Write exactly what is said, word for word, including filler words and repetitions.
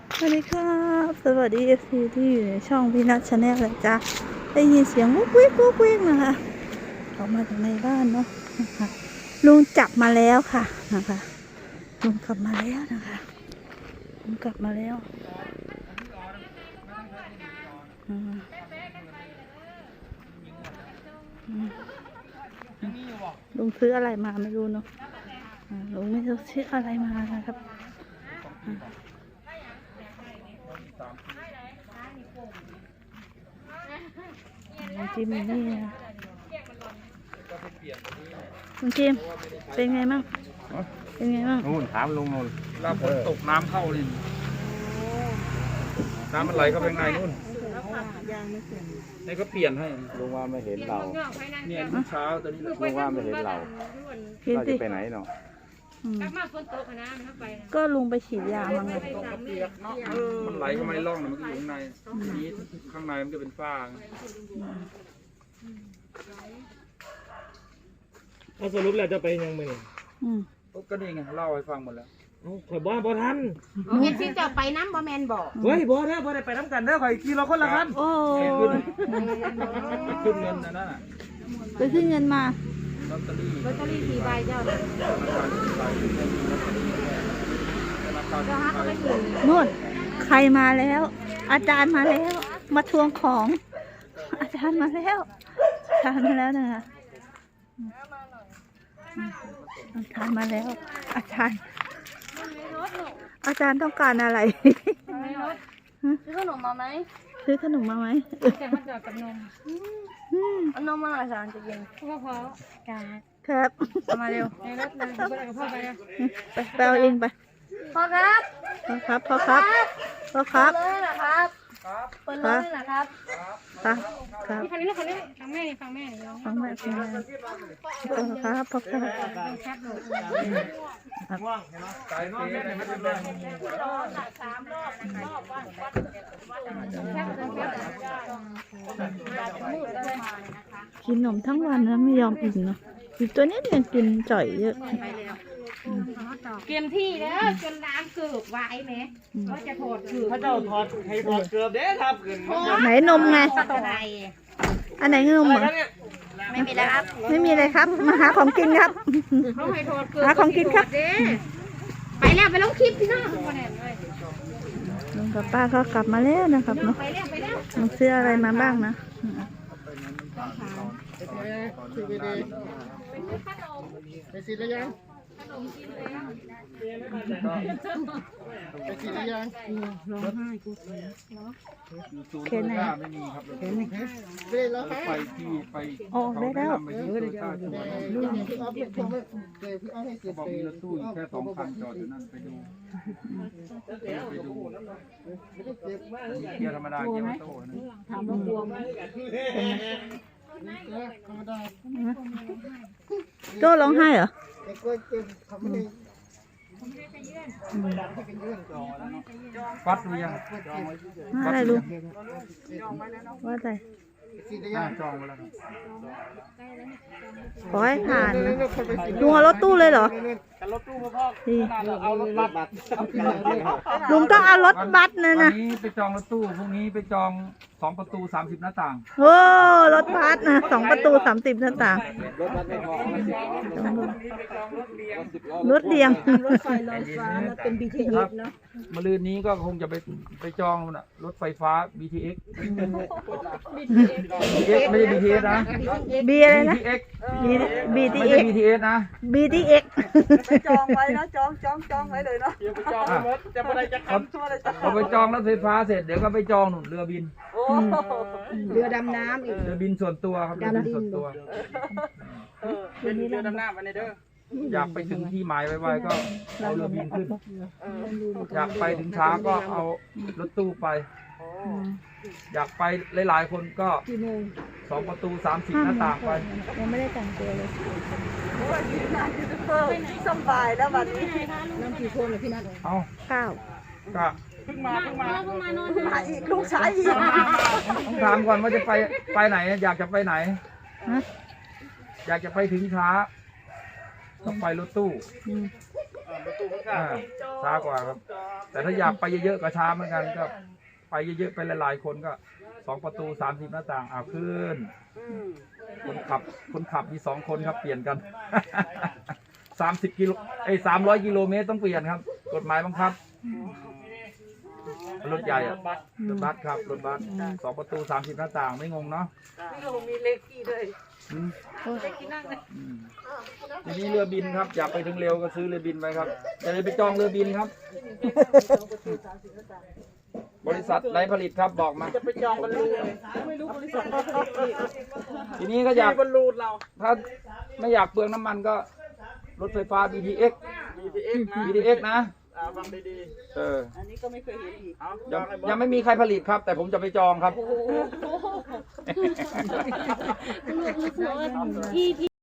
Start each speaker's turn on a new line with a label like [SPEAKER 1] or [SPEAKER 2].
[SPEAKER 1] สวัสดีครับสวัสดีเอฟซีที่อยู่ในช่องพี่นัทชาแนลเลยจ้าได้ยินเสียงวุ้กวิ้กวุ้กวิ้กนะคะออกมาจากในบ้านเนาะนะคะลุงจับมาแล้วค่ะนะคะลุงกลับมาแล้วนะคะลุงกลับมาแล้วอืมอืมลุงซื้ออะไรมาไม่รู้เนาะอ่าลุงไม่รู้ซื้ออะไรมานะครับลุงจิมนี่นะลุงจิมเป็นไงมั่งเป็นไงมั่ง
[SPEAKER 2] นู่นถามลุงนู่น
[SPEAKER 3] เวลาฝนตกน้ำเข้านี่น้ำมันไหลเข้าไปข้างในนู่นนี่ก็เปลี่ยนให้
[SPEAKER 2] ลุงว่าไม่เห็นเรา
[SPEAKER 3] เนี่ยทุกเช้าตอนนี้
[SPEAKER 2] ลุงว่าไม่เห็นเรา
[SPEAKER 1] เห็น
[SPEAKER 2] เรา
[SPEAKER 1] สิ
[SPEAKER 2] จะไปไหนเนาะ
[SPEAKER 1] อืม
[SPEAKER 4] กลับมาฝนตกนะมันเข้าไปนะ
[SPEAKER 1] ก็ลุงไปฉีดยามาไง
[SPEAKER 3] ตกก็เปียกเนาะมันไหลเข้ามาในร่องน่ะมันก็อยู่ข้างในทีนี้ข้างในมันก็เป็นฝ้า
[SPEAKER 5] เอาสรุปแล้วจะไปยังไง
[SPEAKER 1] อืม
[SPEAKER 3] ก็นี่ไงเล่าให้ฟังหมดแล้ว
[SPEAKER 5] ข่อยบ่บ่ทัน
[SPEAKER 4] เห็นสิจะไปน้ำบ่แมนบอก
[SPEAKER 5] เฮ้ยบ่นะบ่ได้ไปน้ำกันเด้อข่อยขี่รถคนละคัน
[SPEAKER 1] โอ้
[SPEAKER 3] ไปขึ้นไปขึ้นเงินนะนั่นน่ะ
[SPEAKER 1] ไปขึ้นเงินมา
[SPEAKER 3] ลอตเตอรี่
[SPEAKER 4] ลอตเตอรี่สี่ใบเจ้าน่ะ
[SPEAKER 3] ธนาคาร
[SPEAKER 4] เจ้าฮักก็ไม่ถึง
[SPEAKER 1] นู่นใครมาแล้ว อาจารย์มาแล้ว มาทวงของ อาจารย์มาแล้วอาจารย์มาแล้วนะคะอาจารย์มาแล้ว อาจารย์ อาจารย์ต้องการอะไร
[SPEAKER 4] ในรถซื้อขนมมาไหม
[SPEAKER 1] ซื้อขนมมาไหม
[SPEAKER 4] แต่มันจอดกับนม
[SPEAKER 1] อืม
[SPEAKER 4] เอานมมาหน่อยสารจะเย็นพ่อพ่อจ้า
[SPEAKER 1] ครับ
[SPEAKER 4] เอามาเร็วในรถเลยไปกับพ่อไปเร็ว
[SPEAKER 1] ไปไปเอาเองไป
[SPEAKER 4] พ่อครับ
[SPEAKER 1] พ่อครับพ่อครับพ่อครับ
[SPEAKER 4] เปิดเลยนะครับเปิดเลยนะครับ
[SPEAKER 1] ครับครับ
[SPEAKER 4] นี่คันนี้ลูกคันนี้ฟังแม่นี่ฟังแม่นี่น้อง
[SPEAKER 1] ฟังแม่ฟังแม่พ่อครับพ่อครับ
[SPEAKER 4] ชัดเลย
[SPEAKER 3] สายเปย์ไม่เป็นไร
[SPEAKER 1] กินขนมทั้งวันนะไม่ยอมอิ่มเนาะอีกตัวนี้ยังกินจ่อยเยอะ
[SPEAKER 4] เตรียมที่แล้วจนน้ำเกือบไว้ไหมว่าจะถอดเกือบ
[SPEAKER 5] พระเจ้าถอดให้ถอดเกือบเด้ครับขึ้น
[SPEAKER 1] ไหนนมไง
[SPEAKER 4] อะไร
[SPEAKER 1] อันไหนนมเหรอ
[SPEAKER 4] ไม่มีแล้วครับ
[SPEAKER 1] ไม่มีเลยครับ มาหาของกินครับ
[SPEAKER 4] เขาให้ถอดเกือบ
[SPEAKER 1] หาของกินครับ
[SPEAKER 4] ไปแล้วไปลงคลิปพี่น้องคนไหนเลย
[SPEAKER 1] ลุงกับป้าก็กลับมาแล้วนะครับเนาะ
[SPEAKER 4] ไปแล้วไปแล้ว
[SPEAKER 1] ลุงซื้ออะไรมาบ้างนะ
[SPEAKER 6] ไปสิแล้วยังไปสิแล้วยัง
[SPEAKER 3] ศูนย์โตโยต้าไม่มีครับ
[SPEAKER 6] ไปเลยแล้ว
[SPEAKER 3] ร
[SPEAKER 6] ค
[SPEAKER 3] ถ
[SPEAKER 6] รับ
[SPEAKER 3] ไฟที่ไป
[SPEAKER 1] ออกได้แล้ว
[SPEAKER 3] ไปที่โตโยต้าชวน
[SPEAKER 6] พี่อ๊อฟพี่อ๊อฟเดี๋ยวพี่อ๊อฟให้เสร็จ
[SPEAKER 3] บอกมีรถตู้อยู่แค่สองคันจอดอยู่นั่นไปดูไปดูเกียร์ธรรมดาเกียร์ออโต้นะ
[SPEAKER 1] ถามว่ากลัวไหม
[SPEAKER 6] ธรรมดา
[SPEAKER 1] โจ้ร้องไห้เหรอ
[SPEAKER 6] ไอ้กล้วยเต็มทำให้
[SPEAKER 3] ฟัดหรือยัง
[SPEAKER 1] ว่าอะไรลุงว่าอะไร
[SPEAKER 6] สิแล้ว
[SPEAKER 3] ห
[SPEAKER 6] ยั
[SPEAKER 3] น้าง จองไว้แล้วครับ
[SPEAKER 1] ขอให้ผ่านนะลุงเอารถตู้เลยเหรอ
[SPEAKER 5] กันรถตู้พ่อ
[SPEAKER 1] นี่
[SPEAKER 5] เอารถบัสบัส
[SPEAKER 1] ลุงต้องเอารถบัสนะ
[SPEAKER 3] วั
[SPEAKER 1] นะ
[SPEAKER 3] นนี้ไปจองรถตู้พรุ่งนี้ไปจองสองประตูสามสิบหน้าต่าง
[SPEAKER 1] โอ้รถบัสนะสองประตูสามสิบหน้าต่าง
[SPEAKER 2] รถบัสไม่พอมาสิบล้อสิบล้อ
[SPEAKER 1] รถเดียง
[SPEAKER 3] รถไฟลอยฟ้าเป็น บี ที เอ็กซ์ เนาะมะรืนนี้ก็คงจะไปไปจองน่ะรถไฟฟ้า บี ที เอ็กซ์ บี ที เอ็กซ์ ไม่ใช่ บี ที เอส นะ
[SPEAKER 1] บีอะไร
[SPEAKER 3] บี
[SPEAKER 1] นะ
[SPEAKER 3] ที เอ็กซ์
[SPEAKER 1] บี
[SPEAKER 3] ไม่
[SPEAKER 1] ที
[SPEAKER 3] ใช่
[SPEAKER 1] เอ็ก
[SPEAKER 3] บี ที เอส นะ
[SPEAKER 1] บีทีเอ็ก
[SPEAKER 7] จองไว้นะจองจองจองไว้เลยเนาะ
[SPEAKER 5] เดี๋ยวไปจองรถจะไปได้จะขับ
[SPEAKER 3] พอไปจองรถไฟฟ้าเสร็จเดี๋ยวก็ไปจองหนุนเรือบิน
[SPEAKER 7] โอ้เรือดำน้ำอีก
[SPEAKER 3] เรือบินส่วนตัวครับเรือบินส่วนตัว
[SPEAKER 5] เป็นเรือดำน้ำอันนี้เด้อ
[SPEAKER 3] อยากไปถึงที่หมายไวๆก็เอาเรือบินขึ้น อยากไปถึงช้าก็เอารถตู้ไป อยากไปหลายๆคนก็สองประตูสามสิบหน้าต่างไป
[SPEAKER 1] ยังไม่ได้แต่งตัวเลย
[SPEAKER 7] โอ้ยงานยูทูบเบอร์สบายแล้ววันนี้
[SPEAKER 3] เอา
[SPEAKER 1] เก้า
[SPEAKER 3] ก็
[SPEAKER 5] เพิ่งมาเพิ่งมา
[SPEAKER 4] เพิ่งมานอน
[SPEAKER 7] มาอีกลูกชายอีก
[SPEAKER 3] ต้องถามก่อนว่าจะไปไปไหน อยากจะไปไหน
[SPEAKER 1] ฮะ
[SPEAKER 3] อยากจะไปถึงช้าต้องไปรถตู้
[SPEAKER 1] อืม
[SPEAKER 5] ตูมันขา
[SPEAKER 3] อ่า
[SPEAKER 5] ด
[SPEAKER 3] ช้ากว่าครับ แต่ถ้าอยากไปเยอะๆก็ช้าเหมือนกันก็ไปเยอะๆไปหลายๆคนก็สองประตูสามสิบหน้าต่างเอาขึ้น
[SPEAKER 5] อืม
[SPEAKER 3] คนขับคนขับมีสองคนครับเปลี่ยนกัน สามสิบกิโลไอ้สามร้อยกิโลเมตรต้องเปลี่ยนครับ กฎหมายบังคับรถใหญ่อะรถบัสครับรถบัสสองประตูสามสิบหน้าต่างไม่งงเนาะ
[SPEAKER 7] นี่เรามีเลขที่ด้วย
[SPEAKER 3] อืม
[SPEAKER 7] เลขที่นั่งเลย
[SPEAKER 3] อืมทีนี้เรือบินครับอยากไปถึงเร็วก็ซื้อเรือบินไปครับจะได้ไปจองเรือบินครับ บริษัทไหนผลิตครับบอกมา
[SPEAKER 5] จะไปจองบอลลูนไม่รู้บริษัทเขาผลิตที่
[SPEAKER 3] ทีนี้ก็อยาก
[SPEAKER 5] บอลลูนเรา
[SPEAKER 3] ถ้าไม่อยากเปลืองน้ำมันก็รถไฟฟ้า บี ที เอ็กซ์
[SPEAKER 5] บี ที เอ็กซ์นะ
[SPEAKER 3] บี ที เอ็กซ์ นะ
[SPEAKER 5] อ่าฟังดี
[SPEAKER 3] เออ
[SPEAKER 7] อันนี้ก็ไม่เคยเห็นอีก
[SPEAKER 5] ๆเอาจ
[SPEAKER 3] ยั
[SPEAKER 5] อง งให้บอ
[SPEAKER 3] ยั
[SPEAKER 5] ส
[SPEAKER 3] งไม่มีใครผลิตครับ แต่ผมจะไปจองครับ
[SPEAKER 4] ที่ที่